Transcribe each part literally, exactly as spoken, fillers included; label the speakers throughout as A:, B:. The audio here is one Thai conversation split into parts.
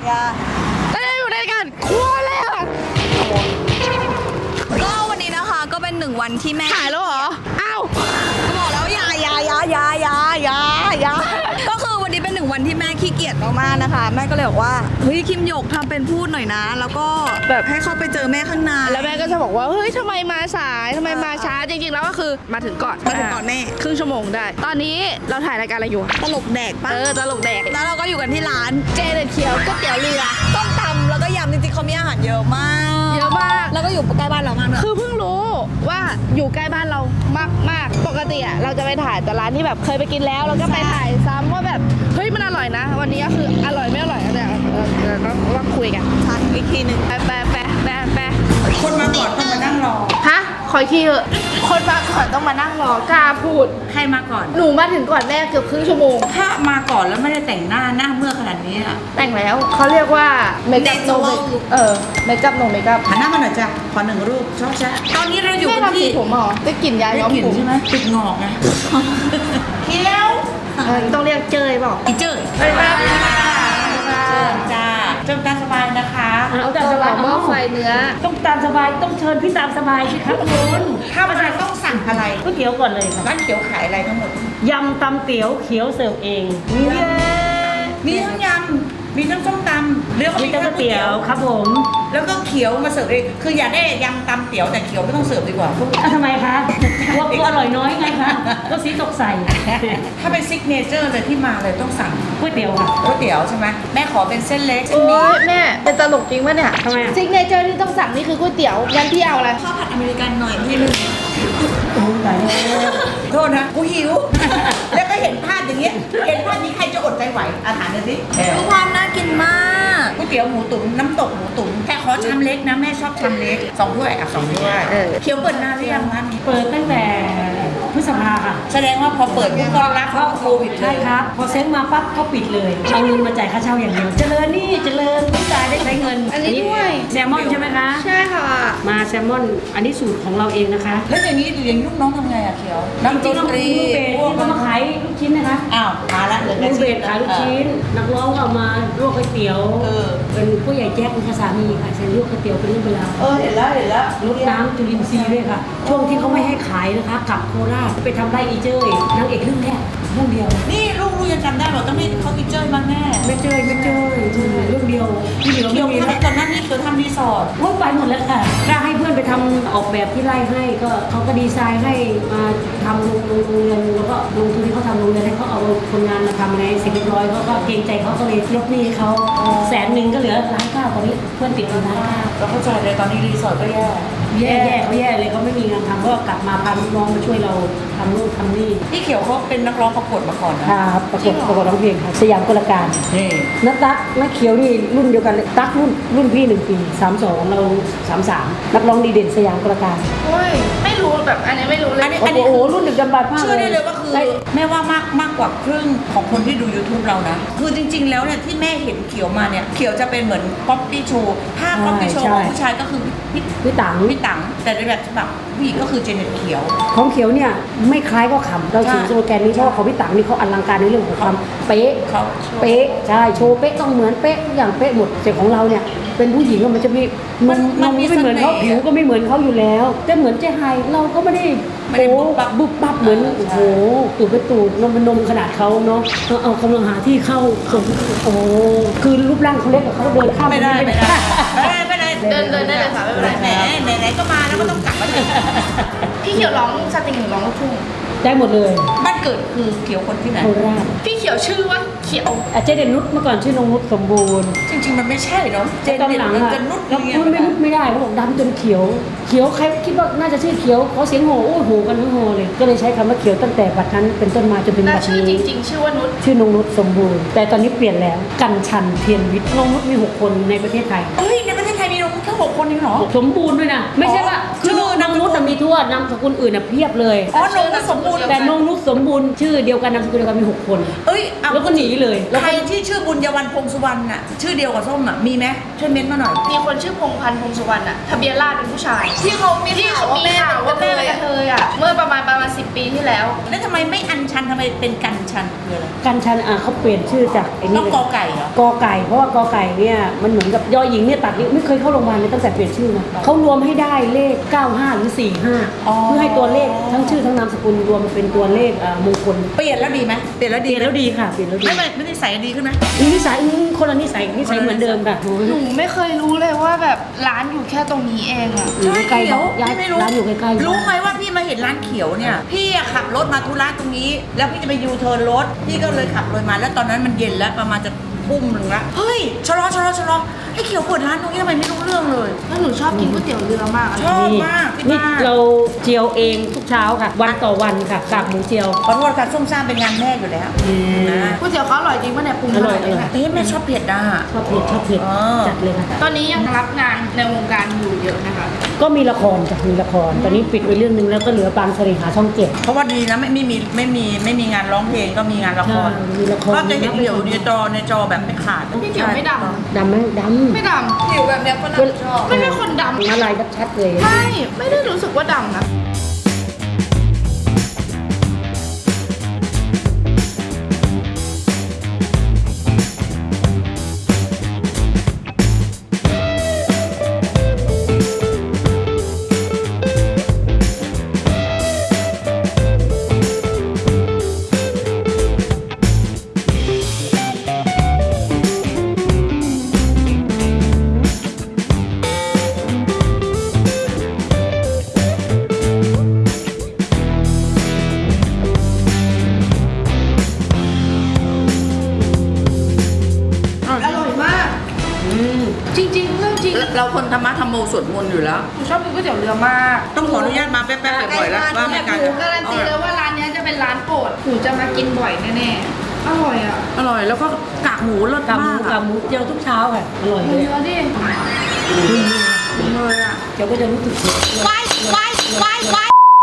A: อย่า
B: แล้วได้อยู่ในกันครัวเลยอ่ะ
A: ก็วันนี้นะคะก็เป็นหนึ่งวันที่แม่
B: ถ่ายแล้วเหรออ้าว
A: ก็บอกแล้วอย่าอย่าอย่าอย่าอย่าอย่าอย่าก็คือวันนี้เป็นหนึ่งวันที่แม่ขี้เกียจมากๆนะคะแม่ก็เลยบอกว่าเฮ้ยคิมหยกทำเป็นพูดหน่อยนะ แล้วก็แบบให้เข้าไปเจอแม่ข้างใน
B: แล้วแม่ก็จะบอกว่าเฮ้ยทำไมมาสายทำไมมาช้าจริงๆแล้วก็คือมาถึงก่อน
A: มาถึงก่อนแม่
B: ครึ่งชั่วโมงได้ ตอนนี้เราถ่ายรายการอะไรอยู่
A: ตลกแดกปะ
B: เออตลกแดก
A: แล้วเราก็อยู่กันที่ร้าน
B: เจเด็ดเขียวก๋วยเตี๋ยวเรือ
A: ต้มตำแล้วก็ยำจริงๆเขามีอาหารเยอะมาก
B: เยอะมาก
A: แล้วก็อยู่ใกล้บ้านเรามากเลย
B: คือเพิ่งรู้ว่าอยู่ใกล้บ้านเรามากมากปกติอะเราจะไปถ่ายแต่ร้านที่แบบเคยไปกินแล้วแล้วก็ไปถ่ายซ้ำว่าแบบเฮ้ยมันอร่อยนะ วันนี้ก็คืออร่อยไม่อร่อยก็เดี๋ยวเออเดี๋ยวต้องว่าคุยกัน
A: ชันอีกทีหนึ่ง
B: แปะแปะแปะแปะแปะ
A: คนมาก่อนต้องมานั่งรอ
B: ฮะขออีกทีเถอะคนมาก่อนต้องมานั่งรอกล้าพูด
C: ใครมาก่อน
B: หนูมาถึงก่อนแม่เกือบครึ่งชั่วโมง
C: ถ้ามาก่อนแล้วไม่ได้แต่งหน้าหน้าเมื่อขนาดนี้อะ
B: แต่งแล้วเขาเรียกว่าเมคอัพโนเมคเออเมคอัพโนเมคอัพ
C: หันหน้ามาหน่อยจ้ะขอหนึ่งรูปชอบแชะตอนนี้เราอยู่
B: แม่
C: กัน
B: ทำสี
C: ที่
B: ผมเหรอได้กลิ่นยา
C: ได้
B: ย้อม
C: กลิ่น
B: ผม
C: ใช่ไหมติดงอกไงเที่ยว
B: เออต้องเรียกเจยบอก
C: อีเจ้ย
B: ไปครับ
C: เชิญจ้าเชิญตามสบายนะคะ
B: เอาแต่หม้อไฟเนื้อ
D: ต้องตามสบายต้องเชิญพี่ตามสบายสิครับคุณ
C: ถ้ามาต้องสั่งอะไร
D: ก๋วยเตี๋ยวก่อนเลยค่ะ
C: ร้านเขียวขายอะไรทั้งหมด
D: ยำตำเตี๋ยวเขียวเสิร์ฟเอง
C: เย้มีทั้งยำมีทั้งส้มตำเรือก็
D: มี
C: มี
D: แต่
C: ทั้ง
D: ก๋วยเตี๋ยวครับผม
C: แล้วก็เขียวมาเสิร์ฟเองคืออยากได้ยำตำเตี๋ยวแต่เขียวไม่ต้องเสิร์ฟดีกว่า
D: อ่ะทำไมคะว่ากูอร่อยน้อยไงคะก็สีตกใส่
C: ถ้าเป็นซิกเนเจอร์เลยที่มาเลยต้องสั่ง
D: ก๋วยเตี๋ยวค่ะ
C: ก๋วยเตี๋ยวใช่ไหมแม่ขอเป็นเส้นเล็กเส้น
B: โอ้
C: หมี่
B: ยแม่เป็นตลกจริงปะเนี่ย
D: ทำไมอะ
B: ซิกเนเจอร์ที่ต้องสั่งนี่คือก๋วยเตี๋ยวงั้นพี่เอาอะไร
A: ข้าวผัดอเมริกันหน่อยพี่หนึง
D: โอ้ยตายแล้ว
C: โทษนะกูหิว แล้วก็เห็นภาพอย่างเงี้ยเห็นภาพนี้ใครจะอดใจไหวอาหารเลยสิเออ
A: ทุกความน่ากินมาก
C: ก๋วยเตี๋ยวหมูตุ๋นน้ำตกหมูตุ๋นแต่ขอชามเล็กนะแม่ชอบชามเล็กสองถ้วยอ่ะสองถ้วย
B: เออ
C: เคี้ยวเปิดนานหรือยังร้านนี้
D: เปิดตั้งแต่พฤษภาค่ะ
C: แสดงว่าพอเปิดปุ๊บก็รับเข้าโควิดเล
D: ใช่
C: ย
D: ครับ พอเซ็งมาปั๊บก็ปิดเลยเอาเงินมาจ่ายค่าเช่าอย่างเดียว เจริญนี่เจริญผู้จ่ายได้ใช้เงิน
B: อันนี้ด้วย
D: แซลมอนใช่ไหมคะ
B: ใช่ค่ะ
D: มาแซลมอน อันนี้สูตรของเราเองนะคะ
C: แล้วอย่างนี้อย่างนี้ลูกน้องทำไงอะเคี้ยวนักด
D: จริง
C: น
D: ๆ
C: ตรี
D: ลูกเบสที่เขามาขายลูกชิ้นนะคะ
C: อ้าวมาละเหลือ
D: ลู
C: แต่
D: กเบ
C: ชิ้
D: สขายลูกชิ้น นักร้องก็เอามาลวกก๋วยเตี๋ยว
C: เออ
D: เป็นผู้ใหญ่แจ๊คเป็นภาษามีค่ะใส่ลวกก๋วยเตี๋ยวเป็นเรื่องเวลาว
C: เออเห็นแล้วเห็นแล้ว
D: รดน้ำจุลินทรีย์ด้วยค่ะ ช่วงที่เขาไม่ให้ขายนะคะกลับโคราชไปทำไร่อีเจ้ยนางเอกเรื่องแรกเรื่องเดียว
C: นี่ลูกลูกยังจำได้เหรอต้องให้เขากินเจ้ยบ้างแน่
D: ไม่เจยไม่เจยเรื่องเดียวที่เหลือ
C: เคี้
D: ไม่
C: ยว
D: มี
C: เขา
D: แล้ว
C: ตอนนั้นนี่เคี้ยวทำรีสอร์ท
D: ว่าไปหมดแล้วค่ะถ้าให้เพื่อนไปทำออกแบบที่ไร่ให้ก็เขาก็ดีไซน์ให้มาทำโรงโรงเรียนแล้วก็ลงทุนที่เขาทำโรงเรียนให้เขาเอาคนงานมาทำในเสร็จเรียบร้อยเขาก็เกรงใจเขาก็เลยลดหนี้ให้เขาแสนหนึ่งก็เหลือล้านเก้าตอนนี้เพื่อนติดอยู่ล้านเก้า
C: เราเข้าใจเลยตอนนี้รีสอร์ทก็แย่
D: แย่แย่เขาแย่เลยเขาไม่มีงานทำก็กลับมาพาลูกน้องมาช่วยเราทำนู่นทำนี่
C: พี่เขียวเขาเป็นนักร้องประกวดมาก่อนนะ
D: ครับประกวดประกวดร้องเพลงครับสยามกลการ
C: นี่
D: นักตั๊กนักเขียวนี่รุ่นเดียวกันเลยตั๊กรุ่นรุ่นพี่หนึ่งปีสามสองเราสามสามนักร้องดีเด่นสยามกลการ
B: โอ้ยไม่รู้แบบอันนี้ไม่รู้เลย
C: อันนี้
D: โอ้โหรุ่นดึกดำบรรพ์มาก
C: เชื่อได้เลยว่าคือ
D: ได้
C: แม่ว่ามากมากกว่าครึ่งของคนที่ดู YouTube เรานะ คือจริง ๆ แล้วเนี่ยที่แม่เห็นเขียวมาเนี่ย เขียวจะเป็นเหมือนป๊อปปี้โชว์ถ้าป๊อปปี้โชว์ของผู้ชายก็คือพี่
D: พี่ตัง
C: พี่ตังแต่ในแบบฉบับผู้หญิงก็คือเจเน็ตเขียว
D: ของเขียวเนี่ยไม่คล้ายก็ขำเราถือ
C: ใช่
D: สโลแกนนี้เพราะว่าของพี่ตังนี่เขาอลังการในเรื่องของความเป๊ะ
C: เขา
D: เป๊ะใช่โชว์เป๊ะต้องเหมือนเป๊ะทุกอย่างเป๊ะหมดแต่ของเราเนี่ยเป็นผู้หญิงอะมันจะมีนมนมก็ไม่เหมือนเขาผิวก็ไม่เหมือนเขาอยู่แล้วแต่เหมือนเจ๊ไฮเราก็ไม่ได้
C: ไม่ได้บุบบับ
D: บุบบับเหมือนโอ้โหตูดไปตูดนมเป็นนมขนาดเขาเนาะเอาเอากำลังหาที่เข้าโอ้โหคือรูปร่างเขาเล็กกว่าเขาเดินข้าม
C: ไม่ได้ไม่ได้ไม่ได้ไม่ได้
B: เดินเดินได้เลยค่ะไม่เป็นไร
C: แหมไหนๆก็มาแล้วก็ต้องกลับมาถึง
B: พี่เขียวร้องสตริงหรือร้องลูกทุ่ง
D: ได้หมดเลย
C: บ้านเกิดคือเขียวคนที่ไหน
D: โคราช
B: พี่เขียวชื่อว่าเขียว
D: อาเจเดนนุชเมื่อก่อนชื่อนงนุชสมบูรณ์
C: จริง ๆ มันไม่ใช่เนาะเจน
D: ตอน
C: เด็ด
D: หลัง
C: มัน
D: อะ
C: จะนุด
D: แล้ว
C: เรีย
D: นุชไม่นุชไม่ได้เขาบอกดำจนเขียว เขียวใครคิดว่าน่าจะชื่อเขียวเขาเสียงโหโอ้โหกันทั้งโหเลย ก็เลยใช้คำว่าเขียวตั้งแต่บัดนั้นเป็นต้นมาจนเป็น
B: และ
D: บัด
B: ชื่อ
D: นี้
B: จริง ๆ ชื่อว่านุช
D: ชื่อนงนุชสมบูรณ์ แต่ตอนนี้เปลี่ยนแล้วกันชันเทียนวิทย์นงนุชมีหกคนในประเทศไทย
C: เฮ้ยในประเทศไทยมีน้องนุชแค่หกคนเองเหรอ
D: สมบูรณ์ด้วยนะ ไม่ใช่ว่า
C: ชื่
D: ชื่
C: อ
D: อนางนุชแต่มีทั่วนามสกุลอื่นน่ะเพียบเลย
C: อ๋อน้องนุชสมบูรณ์
D: แต่นงนุชสมบูรณ์ชื่อเดียวกันนามสกุลเดียวกันมีหกคน
C: เอ้ยเอา
D: แล้วก็หนีเลยแล้ว
C: ใคร
D: ก็
C: ที่ชื่อบุญยวันพงสุวรรณน่ะชื่อเดียวกับส้มอ่ะมีไหมช่วยเม้นต์มาหน่อย
B: มีคนชื่อพงพันธ์พงสุวรรณอะทะเบียนราษฎร์เป็นผู้ชาย ที่เขามีที่เขามีข่าวว่าแม่เป็นกระเทยอะเมื่อประมาณประมาณสิบปีที่แล้ว
C: แล้วทำไมไม่อัญชันทำไมเป็นกันชันคืออะไร
D: กันชันอ่ะเขาเปลี่ยนชื่อจากไอ้
C: ต้
D: นี่
C: อง
D: เลย
C: กอไก่เหรอ
D: กอไก่เพราะว่ากอไก่เนี่ยมันเหมือนกับยอหญิงเนี่ยตัดนิ้วไม่เคยเข้าโรงพยาบาลเลยตั้งแต่เปลี่ยนชื่อมาเขารวมให้ได้เลขเก้าห้าหรือสี่ห้า
C: อ๋อ
D: เพื่อให้ตัวเลขทั้งชื่อทั้งนามสกุลรวมเป็นตัวเลขอ่ามงคล
C: เปลี่ยนแล้วดีไหมเปลี่ยนแล้ว
D: เป
C: ดี
D: ลี่ยนแล้วดีค่ะเปลี่ยนแล้วดี
C: ไม่ไม่ไม่ได้ใส่ดีขึ้นไหม
D: นิสัยอืมคนละนิสัยนิสัยเหมือนเดิมค่ะ
B: หนูไม่เคยรู้เลยว่าแบบร้านอยู่แค่ตรงนี้เองอะ
D: อยู่ใกล้ๆ
C: เขียว
D: ย้าย
C: พี่ไม่รู้
D: ร้านอยู่ใกล้ๆ
C: รู้ไหมว่าพี่มาเห็นร้านเขียวเนี่ยพี่อะขับรถมาธุระตรงนี้ แล้วพี่จะไปยูเทิร์นรถพี่ก็เลยขับเลยมาแล้วตอนนั้นมันเย็นแล้วประมาณจะทุ่มหนึ่งละเฮ้ยชะลอชะลอชะลอไอ้เขียวเปิดร้านตรงนี้ทำไมไม่รู้เรื่องเลย
B: แล้วหนูชอบกินก๋วยเตี๋ยวเรือมากอะ
C: ชอบมากพี่
D: นี่
C: มาก
D: เราเจียวเองทุกเช้าค่ะ วันต่อวันค่ะกากหมูเจียว
C: ขอโทษค่ะส้มซ่ามเป็นงานแม่อยู่แล้ว
D: อืม
C: นะ
B: ก๋วยเตี๋ยวเขาอร่อยจริงป่ะเนี่ยปรุง
D: อร่อย
B: ขนาดนี้
D: อร่อย
B: นะ
C: เอ๊ะแม่ชอบเผ็ดอ่ะ
D: ชอบเผ็ดชอบเผ็ด
C: อ๋อ
D: จัดเลยค่ะ
B: ตอนนี้ยังรับงานในวงการอยู่เยอะนะคะ
D: ก็มีละครจ้ะมีละคร ตอนนี้ปิดไปเรื่องนึงแล้วก็เหลือบางเสน่หาช่องเจ็ด
C: เพราะว่าดีนะไม่ไม่มีไม่มีไม่มีงานร้องเพลงก็มีงานละคร
D: ใช่มีละคร
C: ก็จะเห็นเดี่ยวในจอในจอแบบไม่ขาด
B: พี่เขียวไม่ดำนะ
D: ดำไหมดำ
B: ไม่ดำผิวแบบเนี้ยก็น่าชอบไม่ใช่คนดำ
D: อะไรชัดๆเลย
B: ไม่ไม่ได้รู้สึกว่าดำนะ อร่อยมาก
C: อืม
B: จริงๆเรื่องจริง
C: เราคนธรรมะธรรมโมสวดมนต์อยู่แล้ว
B: หนูชอบกินก๋วยเตี๋ยวเรือมาก
C: ต้องขออนุญาตมาแป๊บๆบ่อยๆแล้วว่าไม่กัน
B: หนูการันตีเลยว่าร้านเนี้ยจะเป็นร้านโปรดหนูจะมากินบ่อยแน่ๆอร่อยอ่ะ
C: อร่อยแล้วก็กากหมูรส
D: กากหมู
C: มาก
D: กากหมูเจียวทุกเช้าค่ะ อร่อย
B: ดู
D: เลย
B: เนื้อดิ
C: เลยอ่ะ
D: เจียวก็จะรู้สึกเผ็ด
A: ไว้ไว้ไว้ไว้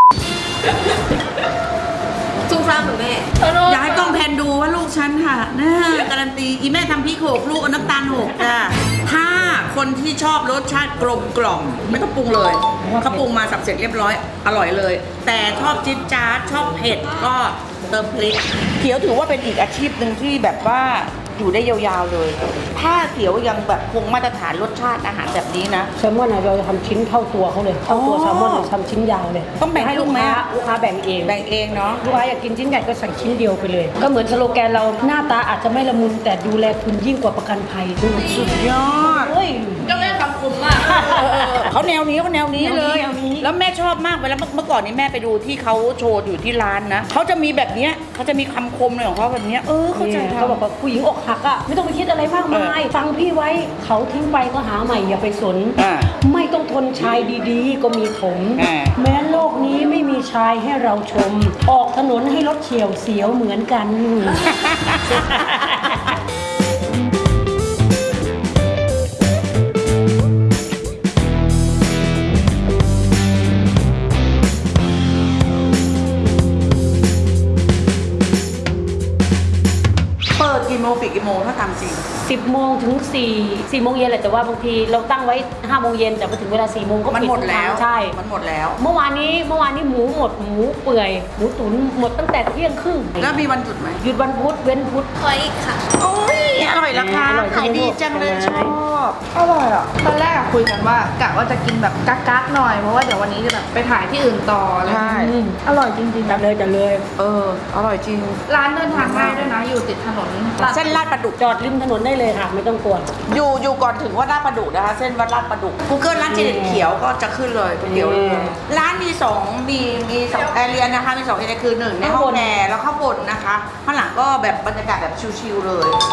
A: สู้ฟ้าเหมือนแม่
C: อยากให้กล้องแพนดูว่าลูกฉันค่ะนะการันตีอีแม่ทำพริกโขกลูกเอาน้ำตาลโขกจ้ะถ้าคนที่ชอบรสชาติกลมกล่อมไม่ต้องปรุงเลยเขาปรุงมาสับเสร็จเรียบร้อยอร่อยเลย แต่ชอบจิ๊ดจ๊าดชอบเผ็ดก็เติมพริกเขียวถือว่าเป็นอีกอาชีพหนึ่งที่แบบว่าอยู่ได้ยาวๆเลย ถ้าเขียวยังแบบคงมาตรฐานรสชาติอาหารแบบนี้นะ
D: แซลมอนอะเราจะทำชิ้นเท่าตัวเขาเลยเท่าตัว
C: อ๋อ
D: แซลมอนเราทำชิ้นยาวเลย
C: ต้องแบ่ง
D: ให้
C: ลู
D: ลู
C: ก
D: ก
C: ไหม
D: ค้า
C: อะ
D: ลูกค้าแบ่งเอง
C: แบ่งเองเนาะ
D: ลูกค้าอยากกินชิ้นใหญ่ก็สั่งชิ้นเดียวไปเลย ก็เหมือนสโลแกนเราหน้าตาอาจจะไม่ละมุนแต่ดูแลคุณยิ่งกว่าประกันภัย
C: สุดยอด
D: เฮ้ย
B: ก็ไม่คำคมมาก
C: เขาแนวนี้เขาแนวนี้เลย
D: แนวนี้
C: แล้วแม่ชอบมากเวลาเมื่อก่อนนี้แม่ไปดูที่เขาโชว์อยู่ที่ร้านนะเขาจะมีแบบเนี้ยเขาจะมีคำคมเลยของเขาแบบเนี้ยเออเข้าใจ
D: เนี่ย
C: ทำ
D: เขาบอกว่าผู้หญิงอกหักอ่ะไม่ต้องไปคิดอะไรมากมาย ฟังพี่ไว้เขาทิ้งไปก็หาใหม่อย่าไปสน
C: อ่า
D: ไม่ต้องทนชายดีๆ ก็มีผม
C: อ่า
D: แม้โลกนี้ไม่มีชายให้เราชม ออกถนนให้รถเฉียวเสียวเหมือนกัน
C: เปิดกี่โมงปิดกี่โมงถ้าทำจริง
D: สิบโมงถึงสี่สี่โมงเย็นแหละแต่ว่าบางทีเราตั้งไว้ห้าโมงเย็นแต่พอถึงเวลาสี่โมงก็
C: มัน
D: ปิด
C: หมดแล้ว
D: ใช่
C: มันหมดแล้ว
D: เมื่อวานนี้เมื่อวานนี้หมูหมดหมูเปื่อยหมูตุ๋นหมดตั้งแต่เที่ยงครึ่ง
C: แล้วมีวันหยุดไหม
D: หยุดวันพุธเว้นพุธ
A: ขออีกค่ะ
C: โอ้ยอร่อยราคา
D: อร่อย
C: ขายดีจังเลยชอบ
B: อร่อยอ่ะ ตอนแรกอะคุยกันว่ากะว่าจะกินแบบกักๆหน่อย เพราะว่าเดี๋ยววันนี้จะแบบไปถ่ายที่อื่นต่ออะไรอย่าง
C: ใช่
B: เงี้ยอร่อยจริงๆ
D: จัดเลยจัดเลย
C: เอออร่อยจริง
B: ร้านเดินทางง่ายด้วยนะ อยู่ติดถนนตัด
C: เส้นลาดประดุก
D: จอดริมถนนได้เลยค่ะ ไม่ต้องกลัว
C: อยู่อยู่ก่อนถึงวัดลาดประดุกนะคะ เส้นวัดลาดประดุก Google ร้านเจเด็ดเขียวก็จะขึ้นเลยก๋วยเตี๋ยวเรือ
D: อืม
C: ร้านมีสองมีมีสองแอเรียนะคะมีสองแอเรียคือหนึ่งในห้องแอร์แล้วข้างบนนะคะข้างหลังก็แบบบรรยากาศแบบชิลๆเลย
D: ห้องแอร์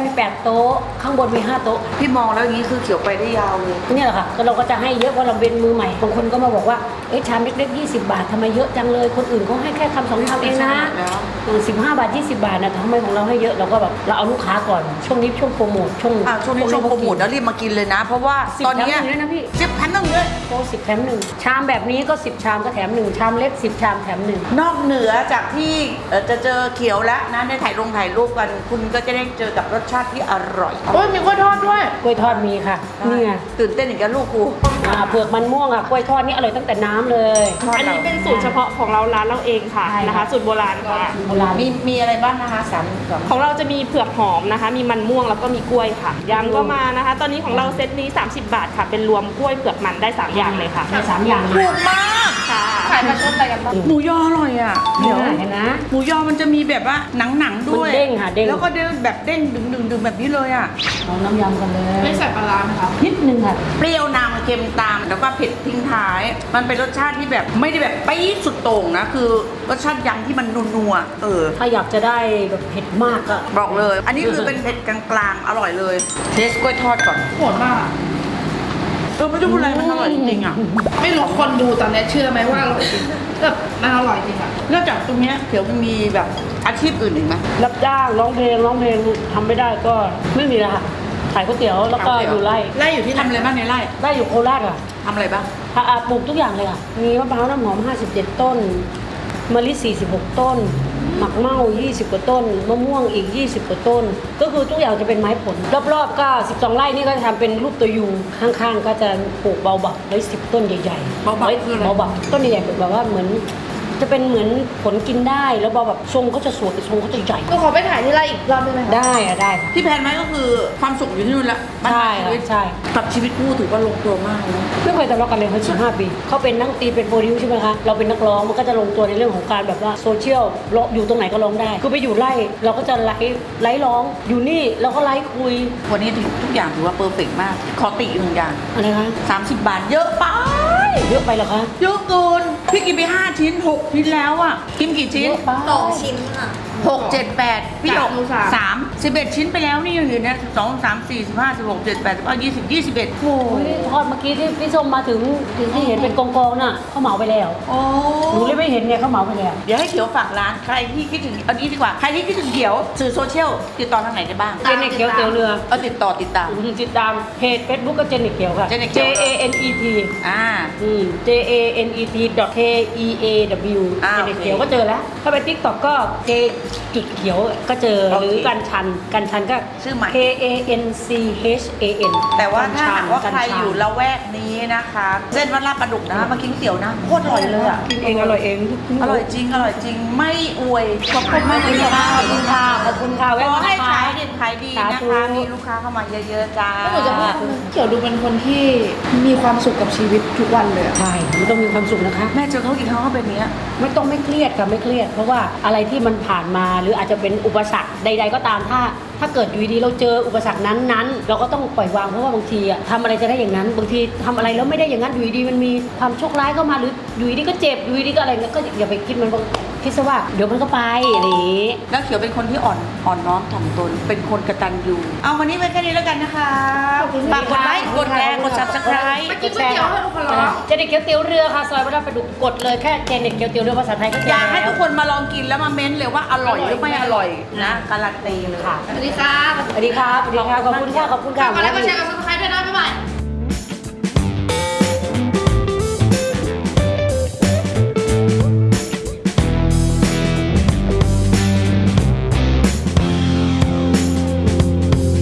D: มีแปดโต๊ะข้างบนมีห้าโต๊ะ
C: พี่มองแล้วอย่างนี้คือเขียวไปได้ยาวเลย
D: เนี่ยแหละค่ะก็เราก็จะให้เยอะเพราะเราเป็นมือใหม่บางคนก็มาบอกว่าเอ๊ะชามเล็กๆยี่สิบบาททำไมเยอะจังเลยคนอื่นเขาให้แค่คำสองคำเองนะสิบห้าบาทยี่สิบบาทนะทำไมของเราให้เยอะเราก็แบบเราเอาลูกค้าก่อนช่วงนี้ช่วงโปรโมทช่วง
C: อ่าช่วงนี้ช่วงโปรโมทแล้วรีบมากินเลยนะ เพราะว่า
D: สิบ
C: ตอนเนี้ย
D: แถมหนึ่งด้วยนะพี่
C: สิบแถมหนึ่งเลย
D: โปรสิบแถมหนึ่งชามแบบนี้ก็สิบชามก็แถมหนึ่งชามเล็กสิบชามแถมหนึ่ง
C: นอกเหนือจากที่เอ่อจะเจอเขียวแล้วนะในถ่ายลงถ่ายรูปกัน คุณก็จะได้เจอกับรสชาติที่อร่อย
B: โอ้ยมีกล้วยทอดด้วย
D: กล้วยทอดมีค่ะนี่ไง
C: ตื่นเต้นอย่างกับลูกกู
D: อ่าเผือกมันม่วงอ่ะกล้วยทอดนี่อร่อยตั้งแต่น้ำเลย
E: อันนี้เป็นสูตรเฉพาะของเราร้านเราเองค่ะ
D: ใช่ค่ะ
E: นะคะ สูตรโบราณค่ะ
D: โบราณ
C: มีมีอะไรบ้างนะคะสามสอง
E: ของเราจะมีเผือกหอมนะคะ มีมันม่วงแล้วก็มีกล้วยค่ะยำก็มานะคะ ตอนนี้ของเราเซตนี้ สามสิบบาทค่ะ เป็นรวมกล้วยเผือกมันได้สามอย่างเลยค่ะ
D: มีสามอย่างเล
C: ถู
D: ย
C: กมาก
E: ค่ะ
B: ขายปลาชดอะไรกันบ้าง
C: หมูยออร่อยอ่ะ
D: เดี๋
C: เดี๋
D: ย
C: ยวว
D: เห็นนะ
C: หมูยอมันจะมีแบบว่าหนังหนังๆด้วย
D: มันเด้งค่ะเด้ง
C: แล้วก็เด้งแบบเด้งดึงดึงดึงแบบนี้เลยอ่ะ
D: เอาน้ำยำกันเลย
B: ไม่ใส่ปลาร้าไหมคะ
D: นิดนึงค่ะ
C: เปรี้ยวนำเค็มตามแล้วก็เผ็ดทิ้งท้าย มันเป็นรสชาติที่แบบไม่ได้แบบปี๊ดสุดโต่งนะ คือรสชาติยำที่มันนัวๆเออ
D: ถ้าอยากจะได้แบบเผ็ดมากก็
C: บอกเลย อันนี้คือเป็นเผ็ดกลางๆ อร่อยเลย เทสกล้วยทอดก่อน
B: โหดมากอะ
C: เออไม่ต้องพูดอะไรมันอร่อยจริงๆอ่ะ
B: ไม่รู้คนดูตอนนี้เชื่อไหมว่าอร่อยจริงแบบมันอร่อยจริงอะ
C: นอกจากตรงเนี้ยเดี๋ยวมันมีแบบอาชีพอื่นอีกไหม
D: รับจ้างร้องเพลงร้องเพลงทำไม่ได้ก็ไม่มีแล้วค่ะขายก๋วยเตี๋ยวแล้วก็
C: ขายก๋วยเตี๋ยว
D: อยู่ไร่
C: ไร่อยู่ที่ทำอะไรบ้างในไร่
D: ไร่อยู่โคราชอ่ะ
C: ทำอะไรบ้าง
D: ถ้าอาปลูกทุกอย่างเลยค่ะมีมะพร้าวน้ำหอมห้าสิบเจ็ดต้นมะลิสี่สิบหกต้นหมักเม่ายี่สิบกว่าต้นมะม่วงอีกยี่สิบกว่าต้น ก็คือทุกอย่างจะเป็นไม้ผล รอบๆก็สิบสองไร่นี่ก็จะทำเป็นรูปตัวยูข้างๆก็จะปลูกเบาบักไว้สิบต้นใหญ่ๆ
C: เบาบัก
D: ไว้
C: คืออะไร
D: เบาบักต้นใหญ่ๆแบบว่าเหมือนจะเป็นเหมือนผลกินได้แล้วเบาแบบทรงเขาจะสวยทรงเขาจะใหญ่
B: ก็ขอไปถ่ายที่ไรอีกรอบได้ไหมคะ
D: ได้อะได้ค่ะ
C: ที่แพลนไว้ก็คือความสุขอยู่ที่นู่นละบ้าน
D: ใช่
C: ปลายชีวิต
D: ใช่
C: กับชีวิตคู่ถือว่าลงตัวมากนะ
D: ไม่เคยทะเลาะกันเลยเขาสิบห้าปีเขาเป็นนักดนตรีเป็นโปรดิวใช่ไหมคะเราเป็นนักร้องมันก็จะลงตัวในเรื่องของการแบบว่าโซเชียลร้องอยู่ตรงไหนก็ร้องได้คือไปอยู่ไร่เราก็จะไลฟ์ไลฟ์ร้องอยู่นี่เราก็ไลฟ์คุย
C: วันนี้ทุกอย่างถือว่าเพอร์เฟกต์มาก ขอติอีกหนึ่งอย่าง
D: อะไรคะ
C: สามสิบบาทเยอะไป
D: เยอะไปเหรอคะ
C: เยอะเกิน พี่กินไปห้าชิ้นหกชิ้นแล้วอ่ะ กินกี่ชิ้น
D: เยอะไป
A: สองชิ้นค่ะ
C: หกเจ็ดแปดพี่หยก
B: สามลูกสาม
C: สามสิบเอ็ดชิ้นไปแล้วนี่ยังอยู่เนี่ยสองสามสี่สิบห้าสิบหกเจ็ดแปดสิบเก้ายี่สิบยี่สิบเอ็ดโอ้
D: โอ้ยทอดเมื่อกี้ที่พี่ส้มมาถึงที่เห็นเป็นกองๆน่ะเขาเหมาไปแล้ว
C: โอ้
D: หนูเลยไม่เห็นไงเขาเหมาไปแล้ว
C: เดี๋ยวให้เขียวฝากร้านใครที่คิดถึงเอานี้ดีกว่า ใครที่คิดถึงเขียวสื่อโซเชียลติดต่อทางไหนได้บ้าง
D: เจนเน็ตเขียวเตี๋ยวเรือ
C: เอาติดต่อติดตาม
D: ติดตามเพจเฟซบุ๊กก็เจนเน็ตเขียวค่ะ
C: เจนเน็ตเขี
D: J
C: ยว
D: A N E T
C: อ่า
D: อืม J A N E T dot K E A W
C: อ่า
D: เจนเน็ต
C: โอเค
D: เขียวก็เจอแล้ว ถ้าไปทิกตอกก็ J จุดเขียวก็เจอ
C: โอเค
D: หรือกันชันกันชันก็
C: ชื่อใหม่
D: K A N C H A N
C: แต่ว่าถ้าหากว่า
D: กัน
C: ใคร
D: ชัน
C: อยู่ละแวกนี้นะคะเส้นวัดลาดประดุกนะมากินก๋วยเตี๋ยวนะโคตรอร่อยเลยอ่ะ
D: กินเองอร่อยเอง
C: อร่อยจริง อร่อยจริง ไม่อวย ขอบคุณมากเลย
D: ข
C: ค่ะ
D: อบคุณค่ะขอบคุณค่ะ
C: ข
D: แวะ
C: อ
D: มา
C: ให้
D: นะคะ
C: ขายดีขายดีนะ
D: สาธุ
C: คะ มีลูกค้าเข้ามาเยอะๆจ้า
B: แล้วหนูจะพูดคำนึงเขียวดูเป็นคนที่มีความสุขกับชีวิตทุกวันเลยอะ
D: ใช่มันต้องมีความสุขนะคะ
C: แม่เจอเขากี่ครั้งเขาเป็นอย่างเนี้ย
D: ไม่ต้องไม่เครียดค่ะไม่เครียด เพราะว่าอะไรที่มันผ่านมาหรืออาจจะเป็นอุปสรรคใด ๆ ก็ตามถ้า ถ้าเกิดอยู่ดีๆเราเจออุปสรรคนั้นๆ เราก็ต้องปล่อยวางเพราะว่าบางทีอะทำอะไรจะได้อย่างนั้น บางทีทำอะไรแล้วไม่ได้อย่างนั้นอยู่ดีๆมันมีความโชคร้ายเข้ามาหรืออยู่ดีๆก็เจ็บอยู่ดีๆก็อะไรเงี้ยก็อย่าไปคิดมันบางคิดซะว่าเดี๋ยวมันก็ไปอะไรอย่างงี้
C: แล้วเขียวเป็นคนที่อ่อนอ่อนน้อมถ่อมตน เป็นคนกตัญญูเอาวันนี้ไว้แค่นี้แล้วกันนะคะฝากกดไลค์กดแชร์กด subscribe
B: ไปกินก๋วยเตี๋ยวให้ลูกค้าร้อง
D: เจเน็ตเกี๊ยวเตี๋ยวเรือค่ะซอยวัดลาดประดุกกดเลยแค่เจเน็ตเกี๊ยวเตี๋ยวเรือภาษาไทยก็เจ
C: อ
D: อย
C: ากให้
D: แล้
C: ทุ
D: ว
C: กคนมาลองกินแล้วมาเม้นเลยว่าอร่อยหรือไม่อร่อยนะการันตีเลย
D: ค่ะ
B: สวัสดีค่ะ
D: สวัสดีครับสวัสดีครับขอบคุณค่ะขอบคุณค่ะ
B: ฝากกดไลค์กดแชร์กับซับสไครต์ด้วยนะบ๊ายบาย